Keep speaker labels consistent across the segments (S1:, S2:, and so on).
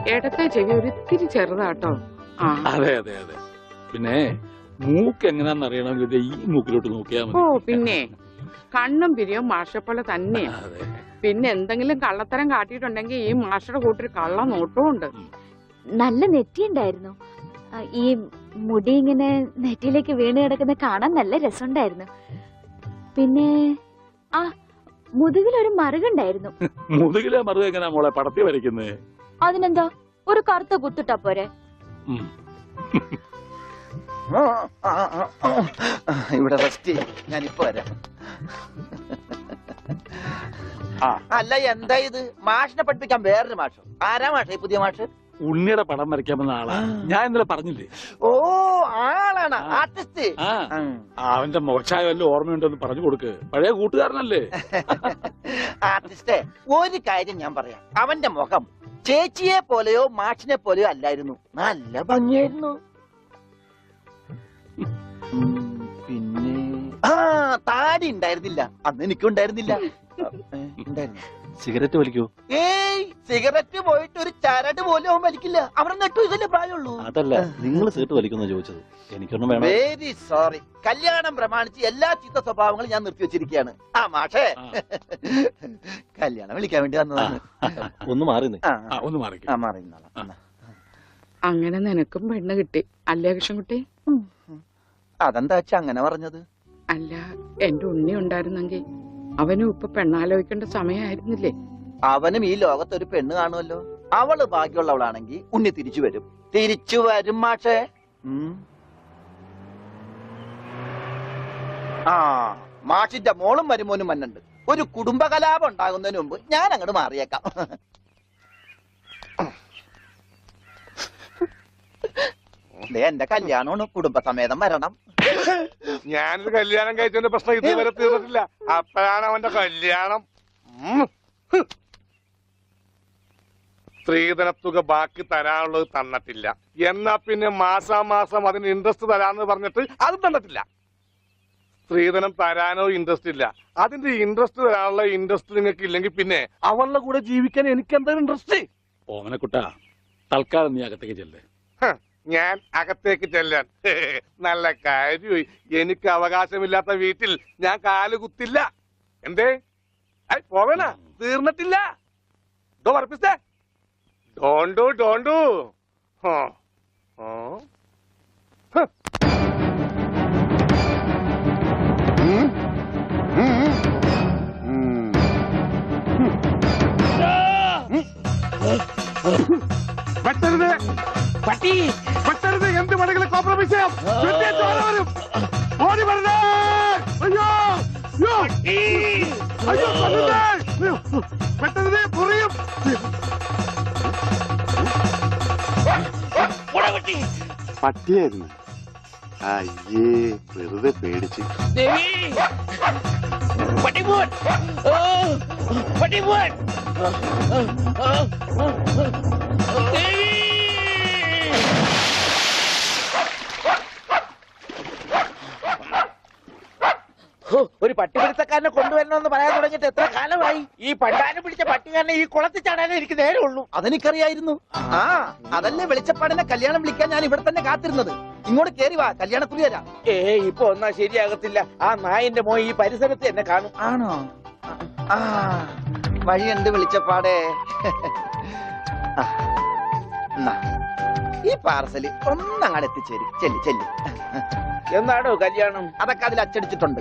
S1: ഇടത്തെ ചെവി ഒരിത്തിരി ചെറുതാട്ടോ.
S2: അതെ അതെ അതെ. പിന്നെ മൂക്ക് എങ്ങനെയാന്ന് അറിയണമെങ്കിൽ ഈ മൂക്കിലോട്ട് നോക്കിയാൽ മതി.
S1: ഓ പിന്നെ കണ്ണും പിരിയും മാഷപ്പോലെ തന്നെയാ. പിന്നെ എന്തെങ്കിലും കള്ളത്തരം കാട്ടിയിട്ടുണ്ടെങ്കിൽ ഈ മാഷയുടെ കൂട്ടൊരു കള്ള നോട്ടവും ഉണ്ട്.
S3: നല്ല നെറ്റിയുണ്ടായിരുന്നു. ഈ മുടി ഇങ്ങനെ നെറ്റിയിലേക്ക് വീണ് കിടക്കുന്ന കാണാൻ നല്ല രസമുണ്ടായിരുന്നു. പിന്നെ ആ മുതുകിലൊരു മറുകുണ്ടായിരുന്നു.
S2: മുതുകിലെ മറുക എങ്ങനെയാ മോളെ പടത്തി വരയ്ക്കുന്നേ?
S3: അതിനെന്താ, ഒരു കറുത്ത കുത്തിട്ടാ പോരെ?
S4: ഇവിടെ റെസ്റ്റ്, ഞാനിപ്പോ വരാം. അല്ല എന്താ ഇത്? മാഷിനെ പഠിപ്പിക്കാൻ വേറൊരു മാഷോ? ആരാ മാഷ ഈ പുതിയ മാഷ്?
S2: ഉണ്ണിയുടെ പടം വരയ്ക്കാമെന്ന ആളാ. ഞാൻ ഇന്നലെ പറഞ്ഞില്ലേ?
S4: ഓ ആളാണ് ആർട്ടിസ്റ്റ്.
S2: അവന്റെ മോശമായ വല്ല ഓർമ്മയുണ്ടെന്ന് പറഞ്ഞു കൊടുക്ക്. പഴയ കൂട്ടുകാരനല്ലേ?
S4: ആർട്ടിസ്റ്റേ, ഒരു കാര്യം ഞാൻ പറയാം. അവന്റെ മുഖം ചേച്ചിയെ പോലെയോ മാഷിനെ പോലെയോ അല്ലായിരുന്നു. നല്ല ഭംഗിയായിരുന്നു. പിന്നെ താടി ഉണ്ടായിരുന്നില്ല. അന്ന് എനിക്കും ഉണ്ടായിരുന്നില്ല.
S5: സിഗരറ്റ് വലിക്കൂ?
S4: ഏയ്, സിഗരറ്റ് പോയിട്ട് ഒരു ചരട് പോലും അവൻ വലിക്കില്ല. അവിടെ നെട്ടു ഇതല്ലേ പ്രായമുള്ളൂ.
S5: അതല്ല, നിങ്ങൾ സീട്ട് വലിക്കുന്ന ചോദിച്ചത്. എനിക്കൊന്നും വേണം.
S4: Very sorry. കല്യാണം പ്രമാണിച്ച് എല്ലാ ചീത്ത സ്വഭാവങ്ങളും ഞാൻ നിർത്തി വെച്ചിരിക്കുകയാണ്. ആ മാഷേ, കല്യാണം വിളിക്കാൻ വേണ്ടി വന്നതാണ്.
S5: ഒന്ന് മാറി
S4: മാറി.
S1: അങ്ങനെ നിനക്കും പെണ്ണ് കിട്ടി അല്ലേ കൃഷ്ണൻകുട്ടി?
S4: അതെന്താ വെച്ചാ അങ്ങനെ പറഞ്ഞത്?
S1: അല്ല, എന്റെ ഉണ്ണി ഉണ്ടായിരുന്നെങ്കിൽ അവനും ഇപ്പൊ പെണ്ണാലോചിക്കേണ്ട സമയമായിരുന്നില്ലേ?
S4: അവനും ഈ ലോകത്തൊരു പെണ്ണ് കാണുമല്ലോ. അവള് ഭാഗ്യമുള്ളവളാണെങ്കിൽ ഉണ്ണി തിരിച്ചു വരും. തിരിച്ചു വരും മാഷേ. ആ മാഷിന്റെ മോളും മരുമോനും വന്നുണ്ട്. ഒരു കുടുംബകലാപം ഉണ്ടാകുന്നതിന് മുമ്പ് ഞാൻ അങ്ങോട്ട് മാറിയേക്കാം. എന്റെ കല്യാണമാണ്, കുടുംബസമേതം വരണം.
S6: ഞാനൊരു കല്യാണം കഴിച്ചതിന്റെ പ്രശ്നം ഇതുവരെ തീർന്നിട്ടില്ല. അപ്പോഴാണ് അവന്റെ കല്യാണം. സ്ത്രീധനത്തുക ബാക്കി തരാനുള്ളത് തന്നിട്ടില്ല. എന്നാ പിന്നെ മാസാമാസം അതിന് ഇൻട്രസ്റ്റ് തരാന്ന് പറഞ്ഞിട്ട് അതും തന്നിട്ടില്ല. സ്ത്രീധനം തരാനോ ഇൻട്രസ്റ്റ് ഇല്ല. അതിന്റെ ഇൻട്രസ്റ്റ് തരാനുള്ള ഇൻട്രസ്റ്റ് നിങ്ങൾക്ക് ഇല്ലെങ്കിൽ പിന്നെ അവളുടെ കൂടെ ജീവിക്കാൻ എനിക്ക് എന്താ ഇൻട്രസ്റ്റ്?
S2: ഓമനക്കുട്ടാ, തൽക്കാലം നീ അകത്തേക്ക് ചെല്ലേ.
S6: ഞാൻ അകത്തേക്ക് ചെല്ലാൻ നല്ല കാര്യമായി. എനിക്ക് അവകാശമില്ലാത്ത വീട്ടിൽ ഞാൻ കാല് കുത്തില്ല. എന്തേ പോവേണ? തീർന്നിട്ടില്ല. പറപ്പിച്ചേ ഡോണ്ടു. വെട്ടരുത് പട്ടി, വെട്ടരുത്. എന്ത് വേണമെങ്കിലും കോംപ്രമൈസ് ചെയ്യാം. വരും, ഓടി വരണേ. അയ്യോ അയ്യോ, വെട്ടരുത്, പൊറിയും.
S7: പട്ടിയായിരുന്നു. അയ്യേ, വെറുതെ പേടിച്ച്.
S4: ഒരു പട്ടിപിടുത്തക്കാരനെ കൊണ്ടുവരണമെന്ന് പറയാൻ തുടങ്ങിയിട്ട് എത്ര കാലമായി? ഈ പണ്ടാരം പിടിച്ച പട്ടിക്കാരനെ ഈ കുളത്തിൽ ചാടാനേ എനിക്ക് നേരമുള്ളൂ. അതെനിക്കറിയായിരുന്നു. അതല്ലേ വെളിച്ചപ്പാടിനെ കല്യാണം വിളിക്കാൻ ഞാൻ ഇവിടെ തന്നെ കാത്തിരുന്നത്. ഇങ്ങോട്ട് കേറി വാ, കല്യാണക്കുറി തരാം. ഇപ്പൊ ഒന്നാ ശരിയാകത്തില്ല. ആ നായന്റെ മോൻ ഈ പരിസരത്ത് എന്നെ കാണും. ആണോ? വഴിയുണ്ട് വെളിച്ചപ്പാടേ. ഈ പാർസല് ഒന്നങ്ങാട് എത്തിച്ചേരും. ചെല്ലി. എന്നാണോ കല്യാണം? അതൊക്കെ അതിൽ അച്ചടിച്ചിട്ടുണ്ട്.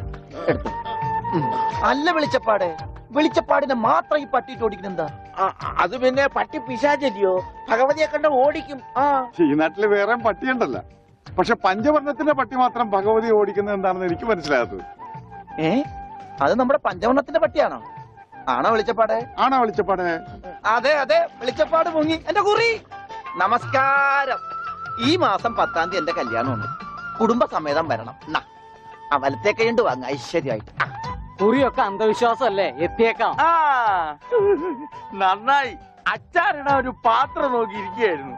S4: അല്ല വെളിച്ചപ്പാടെ, വെളിച്ചപ്പാടിനെ മാത്രം ഈ പട്ടിയിട്ട് ഓടിക്കുന്നെന്താ? അത് പിന്നെ പട്ടി പിശാചല്ലിയോ? ഭഗവതിയെ കണ്ട ഓടിക്കും.
S7: ഈ നാട്ടില് വേറെ പട്ടിയുണ്ടല്ല. പക്ഷെ പഞ്ചവർണ്ണത്തിന്റെ പട്ടി മാത്രം ഭഗവതി ഓടിക്കുന്നത് എന്താണെന്ന് എനിക്ക് മനസ്സിലാകാത്തത്.
S4: അത് നമ്മുടെ പഞ്ചവർണ്ണത്തിന്റെ പട്ടിയാണോ? ആണോ വെളിച്ചപ്പാടെ?
S7: ആണോ വെളിച്ചപ്പാടെ?
S4: അതെ, വെളിച്ചപ്പാട് മുങ്ങി. എന്റെ കുറി നമസ്കാരം. ഈ മാസം 10-ാം തീയതി എന്റെ കല്യാണമാണ്. കുടുംബസമേതം വരണം. വലത്തെ കൈണ്ട് വാങ്ങ ഐശ്വര്യമായിട്ട്.
S8: കുറിയൊക്കെ അന്ധവിശ്വാസമല്ലേ? എത്തിയേക്കാം.
S4: നന്നായി. അച്ചാറിടാൻ ഒരു പാത്രം നോക്കിയിരിക്കുകയായിരുന്നു.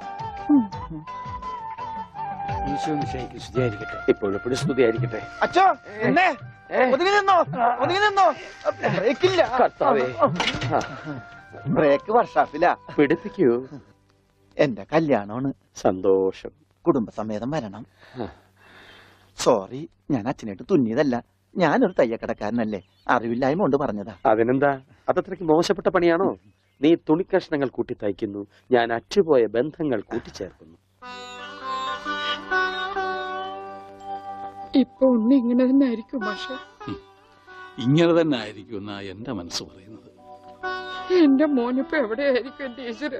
S8: ഇപ്പോഴെപ്പോഴും സ്തുതിയായിരിക്കട്ടെ.
S4: അച്ഛോ, എന്നെ ഒതുങ്ങി നിന്നോ. ബ്രേക്കില്ല. ബ്രേക്ക് വർഷാപ്പിലാ.
S8: പിടിപ്പിക്കൂ.
S4: എന്റെ കല്യാണമാണ്.
S8: സന്തോഷം.
S4: കുടുംബസമേതം വരണം. സോറി, ഞാൻ അച്ഛനായിട്ട് തുന്നിയതല്ല. ഞാനൊരു തയ്യക്കടക്കാരനല്ലേ, അറിവില്ലായ്മ കൊണ്ട് പറഞ്ഞതാ.
S8: അതിനെന്താ, അതത്രയ്ക്ക് മോശപ്പെട്ട പണിയാണോ? നീ തുണിക്കഷ്ണങ്ങൾ കൂട്ടി തയ്ക്കുന്നു, ഞാൻ അറ്റുപോയ ബന്ധങ്ങൾ കൂട്ടിച്ചേർക്കുന്നു.
S1: ഇപ്പൊ ഉണ്ണി ഇങ്ങനെ തന്നെ ആയിരിക്കും മാഷെ.
S2: ഇങ്ങനെ തന്നെ ആയിരിക്കും എന്നാ എന്റെ മനസ്സ് പറയുന്നത്.
S1: എന്റെ മോനിപ്പോ എവിടെയായിരിക്കും എന്റെ ഈശ്വര.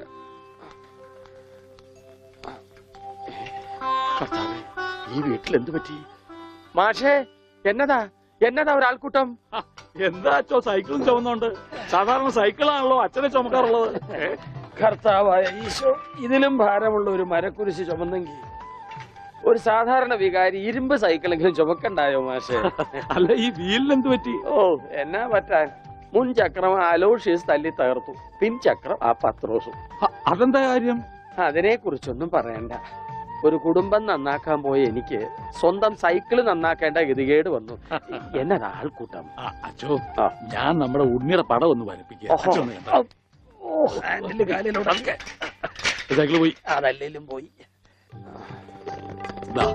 S8: കർത്താവേ, ഈ വീട്ടിൽ എന്ത് പറ്റി? മാഷേ, എന്നതാ ഒരാൾക്കൂട്ടം?
S2: എന്താ അച്ഛോ സൈക്കിളും ചുമന്നുണ്ട്? സാധാരണ സൈക്കിളാണല്ലോ അച്ഛനെ ചുമക്കാറുള്ളത്.
S8: കർത്താവായ ഈശോ, ഇതിലും ഭാരമുള്ള ഒരു മരക്കുരിശ് ചുമന്നെങ്കിൽ ഒരു സാധാരണ വികാരി ഇരുമ്പ് സൈക്കിളെങ്കിലും ചുമക്കണ്ടായോ മാഷേ?
S2: അല്ല, ഈ വീലിന് എന്ത് പറ്റി?
S8: ഓ, എന്നാ പറ്റാൻ, മുൻ ചക്രം അലോഷ്യസ് തല്ലി തകർത്തു, പിൻചക്രം ആ പത്രോസും.
S2: അതെന്താ കാര്യം?
S8: അതിനെ കുറിച്ചൊന്നും പറയണ്ട. ഒരു കുടുംബം നന്നാക്കാൻ പോയ എനിക്ക് സ്വന്തം സൈക്കിള് നന്നാക്കേണ്ട ഗതികേട് വന്നു. എന്നതാ ആൾക്കൂട്ടം?
S2: അച്ഛോ, ഞാൻ നമ്മുടെ ഉണ്ണിയുടെ പടം ഒന്ന് വരപ്പിക്കുക. സൈക്കിള് പോയി.
S8: അതല്ലേലും പോയി.
S2: ദാ.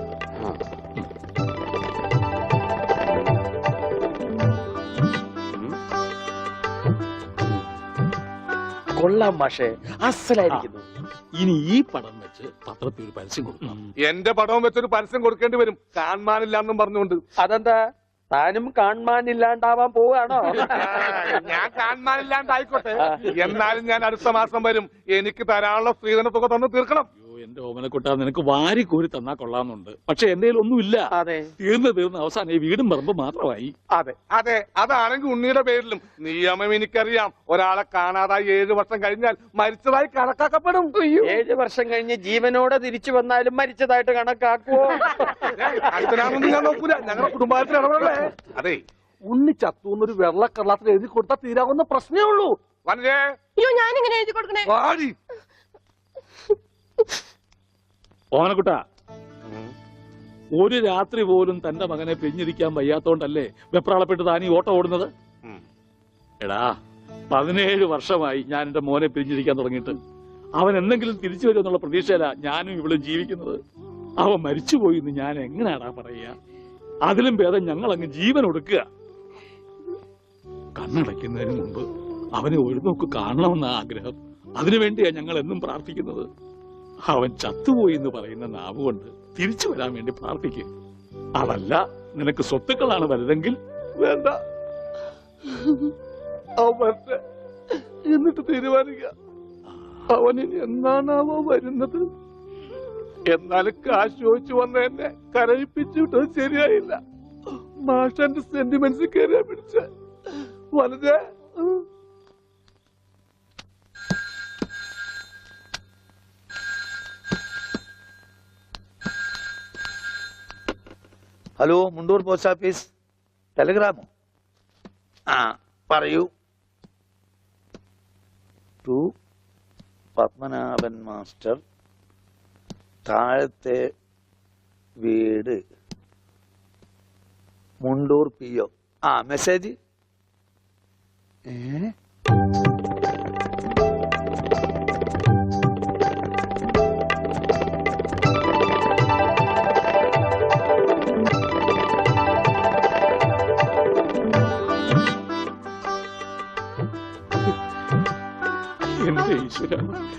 S8: കൊള്ളാം മാഷേ, അസലായിരിക്കുന്നു.
S2: ഇനി ഈ പടം വെച്ച് പത്രത്തിൽ ഒരു പരസ്യം കൊടുക്കണം.
S6: എന്റെ പടവും വെച്ചൊരു പരസ്യം കൊടുക്കേണ്ടി വരും, കാണാനില്ലാന്നും പറഞ്ഞുകൊണ്ട്.
S8: അതെന്താ, താനും കാണാനില്ലാണ്ടാവാൻ പോവാണോ?
S6: ഞാൻ കാണാനില്ലാണ്ടായിക്കോട്ടെ, എന്നാലും ഞാൻ അടുത്ത മാസം വരും. എനിക്ക് തരാനുള്ള സ്ത്രീധന തുക തന്നു തീർക്കണം.
S2: എന്റെ ഓമനക്കുട്ട, നിനക്ക് വാരി കോരി തന്നാ കൊള്ളാമെന്നുണ്ട്. പക്ഷെ എന്റെ ഒന്നുമില്ല.
S8: അതെ,
S2: തീർന്ന് അവസാനം ഈ വീടും പറമ്പ് മാത്രമായി.
S6: അതെ, അതാണെങ്കിൽ ഉണ്ണിയുടെ പേരിലും നിയമം എനിക്കറിയാം. ഒരാളെ കാണാതായി 7 വർഷം കഴിഞ്ഞാൽ മരിച്ചതായി കണക്കാക്കപ്പെടും.
S8: 7 വർഷം കഴിഞ്ഞ് ജീവനോടെ തിരിച്ചു വന്നാലും മരിച്ചതായിട്ട് കണക്കാക്കുവോ?
S6: അടുത്തനാണെന്ന് ഞാൻ നോക്കൂല, ഞങ്ങളുടെ കുടുംബത്തിൽ ഇടപെടല്ലേ. അതെ,
S8: ഉണ്ണി ചത്തൂന്നൊരു വെള്ളക്കള്ളത്തിൽ എഴുതി കൊടുത്താൽ തീരാവുന്ന പ്രശ്നമേ ഉള്ളൂ.
S6: വനജേ,
S3: ഞാനിങ്ങനെ എഴുതി കൊടുക്കണേ?
S6: വാടി.
S2: ഓമനക്കുട്ട, ഒരു രാത്രി പോലും തന്റെ മകനെ പിരിഞ്ഞിരിക്കാൻ വയ്യാത്തോണ്ടല്ലേ വെപ്രാളപ്പെട്ട് താനീ ഓട്ടം ഓടുന്നത്? എടാ, 17 വർഷമായി ഞാൻ എന്റെ മോനെ പിരിഞ്ഞിരിക്കാൻ തുടങ്ങിയിട്ട്. അവൻ എന്തെങ്കിലും തിരിച്ചു വരുമെന്നുള്ള പ്രതീക്ഷയില ഞാനും ഇവളും ജീവിക്കുന്നത്. അവൻ മരിച്ചുപോയി എന്ന് ഞാൻ എങ്ങനെയാടാ പറയുക? അതിലും ഭേദം ഞങ്ങൾ അങ്ങ് ജീവൻ ഒടുക്കുക. കണ്ണടയ്ക്കുന്നതിന് മുമ്പ് അവനെ ഒരു നോക്ക് കാണണമെന്ന ആഗ്രഹം. അതിനുവേണ്ടിയാ ഞങ്ങൾ എന്നും പ്രാർത്ഥിക്കുന്നത്. അവൻ ചത്തുപോയി എന്ന് പറയുന്ന നാവുകൊണ്ട് തിരിച്ചു വരാൻ വേണ്ടി പ്രാർത്ഥിക്കും. അതല്ല നിനക്ക് സ്വത്തുക്കളാണ് വലുതെങ്കിൽ
S6: വേണ്ട, എന്നിട്ട് തീരുമാനിക്കുക അവനിനി എന്നാണാവോ വരുന്നത്. എന്നാലും കാശ് ചോദിച്ചു വന്ന എന്നെ കരയിപ്പിച്ചു വിട്ടത് ശരിയായില്ല. മാഷന്റെ സെന്റിമെന്റ്സ് കയറിയാ പിടിച്ച വളരെ.
S4: Hello, Mundur post office. ടെലിഗ്രാമോ? ആ, പറയൂ. ടു പത്മനാഭൻ മാസ്റ്റർ, താഴത്തെ വീട്, മുണ്ടൂർ PO. ആ, മെസ്സേജ്.
S2: എന്റെ ഈശ്വര,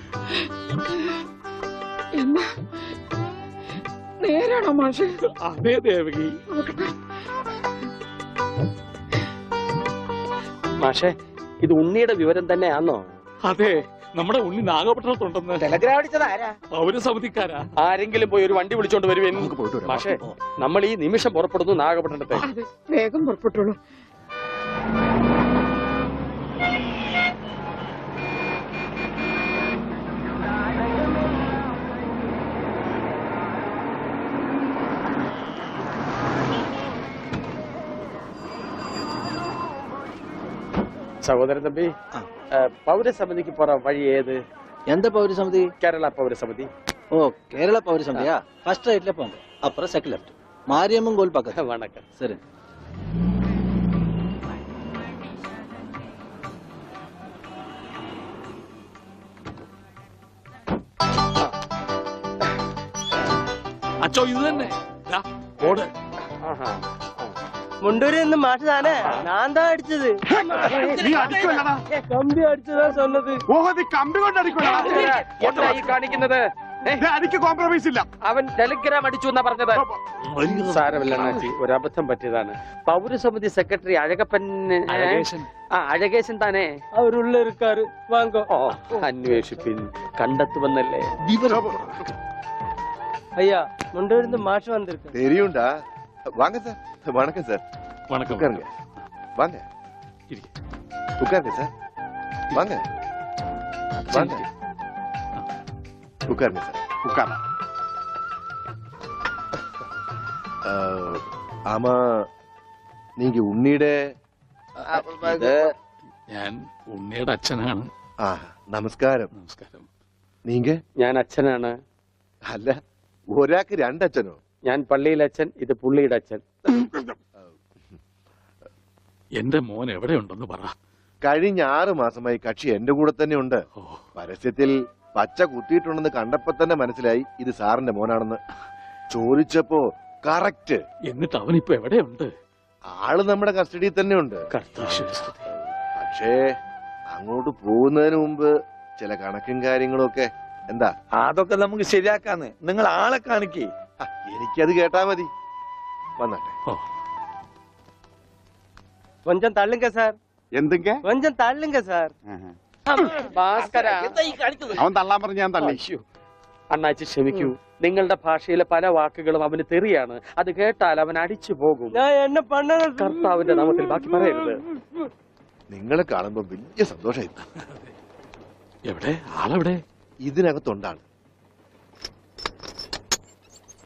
S1: എന്നാ നേരാണോ മാഷെ?
S2: അതേ ദേവകി.
S8: മാഷേ, ഇത് ഉണ്ണിയുടെ വിവരം തന്നെയാണോ?
S2: അതെ, നമ്മുടെ ഉണ്ണി നാഗപട്ടണത്തുണ്ടെന്ന്.
S4: ടെലഗ്രാം അടിച്ചത് ആരാ?
S2: പൗരസമിതിക്കാരാ.
S8: ആരെങ്കിലും പോയി ഒരു വണ്ടി വിളിച്ചോണ്ട് വരുവേൻ. മാഷേ, നമ്മൾ ഈ നിമിഷം പുറപ്പെടുന്നു നാഗപട്ടണത്തെ.
S1: അതെ, വേഗം പുറപ്പെട്ടോളൂ.
S8: സഹോദരൻ തമ്പി, പൗരസമിതിക്ക് പോറ വഴി ഏത്?
S5: எந்த பௌரி சமிதி?
S8: കേരള പൗരസമിതി.
S5: ஓ, கேரளா பௌரி சமிதியா? ஃபர்ஸ்ட் ரைட்ல போங்க, அப்புறம் செகண்ட் லெஃப்ட், மாரியம்மன் கோயில் பக்கத்துல.
S8: வணக்கம்.
S5: சரி.
S2: അച്ചോ ഇത് തന്നെ ദാ, ഓട്.
S9: മുണ്ടൂരിൽ നിന്ന് മാഷ് താനേ ഞാൻ താ അടിച്ചത്
S7: നീ അടിക്കുമല്ലടാ.
S9: കമ്പി അടിച്ചതാ சொன்னது
S7: ഓഹോ നീ കമ്പി കൊണ്ട് അടിക്കുമല്ലടാ.
S8: എന്താ ഈ കാണിക്കുന്നത്?
S7: ദേ, അടിക്ക് കോംപ്രമൈസ് ഇല്ല.
S8: അവൻ ടെലിഗ്രാം അടിച്ചു എന്നാ പറഞ്ഞത്. സാരമില്ല അണ്ണാച്ചി, ഒരബദ്ധം പറ്റിയതാണ്. പൗരസമിതി സെക്രട്ടറി അഴകപ്പൻ
S2: അഴകേശൻ.
S8: അഴകേശൻ താനേ.
S9: അവരുള്ള இருக்காரு വാങ്ങോ.
S8: ഓ, അന്വേഷിപ്പിൻ, കണ്ടെത്തുമെന്നല്ലേ.
S9: ஐயா முண்டூரில் இருந்து மாஷ் வந்திருக்கு.
S10: தெரியும்டா வாங்க சார் வணக்கம் சார்
S2: வணக்கம்.
S10: உட்காருங்க வாங்க
S2: இருக்கு.
S10: உட்காருங்க சார் வாங்க வாங்க உட்காருங்க சார்
S7: ഉക്കാണ്.
S10: ஆமா நீங்க உன்னிയുടെ
S2: ഞാൻ ഉണ്ണിയുടെ അച്ഛനാണ്.
S10: ആ നമസ്കാരം.
S2: നമസ്കാരം.
S10: നീങ്ക
S8: ഞാൻ അച്ഛനാണ്.
S10: അല്ല ഒരാൾക്ക് രണ്ടച്ഛനോ?
S8: ഞാൻ പള്ളിയിലെ അച്ഛൻ, ഇത് പുള്ളിയുടെ അച്ഛൻ.
S2: എന്റെ മോൻ എവിടെയുണ്ടെന്ന് പറ.
S10: കഴിഞ്ഞ 6 മാസമായി കക്ഷി എന്റെ കൂടെ തന്നെ ഉണ്ട്.
S2: ഓ,
S10: പരസ്യത്തിൽ പച്ച കുത്തിയിട്ടുണ്ടെന്ന് കണ്ടപ്പോ തന്നെ മനസ്സിലായി ഇത് സാറിന്റെ മോനാണെന്ന്. ചോദിച്ചപ്പോ കറക്റ്റ്.
S2: എന്നിട്ട് അവനിപ്പോ എവിടെയുണ്ട്?
S10: ആള് നമ്മുടെ കസ്റ്റഡിയിൽ തന്നെ ഉണ്ട്.
S2: ഈശ്വരസ്തുതി.
S10: പക്ഷേ അങ്ങോട്ട് പോകുന്നതിന് മുമ്പ് ചില കണക്കും കാര്യങ്ങളും ഒക്കെ. എന്താ?
S4: അതൊക്കെ നമുക്ക് ശരിയാക്കാന്ന്. നിങ്ങൾ ആളെ കാണിക്കേ.
S10: എനിക്കത് കേട്ടാ മതി. വന്നട്ടെ.
S9: கொஞ்சம் தள்ளுங்க சார்,
S7: എന്തൊക്കെ
S9: கொஞ்சம் தள்ளுங்க சார்.
S8: ഭാസ്കര,
S4: എന്താ ഈ കാണിക്കുന്നത്?
S7: അവൻ തള്ളാൻ പറഞ്ഞ് ഞാൻ തള്ളി.
S8: അയ്യോ. അണ്ണാച്ചി ക്ഷമിക്കൂ, നിങ്ങളുടെ ഭാഷയിലെ പല വാക്കുകളും അവന് തെറിയാണ്. അത് കേട്ടാൽ അവൻ അടിച്ചു പോകും.
S9: நான் என்ன பண்ணது?
S8: കർത്താവിന്റെ നാമത്തിൽ ബാക്കി പറയരുത്.
S10: നിങ്ങളെ കാണുമ്പോ വലിയ സന്തോഷമായി.
S2: എവിടെ ആളെവിടെ?
S10: ഇതിനകത്തുണ്ടാണ്.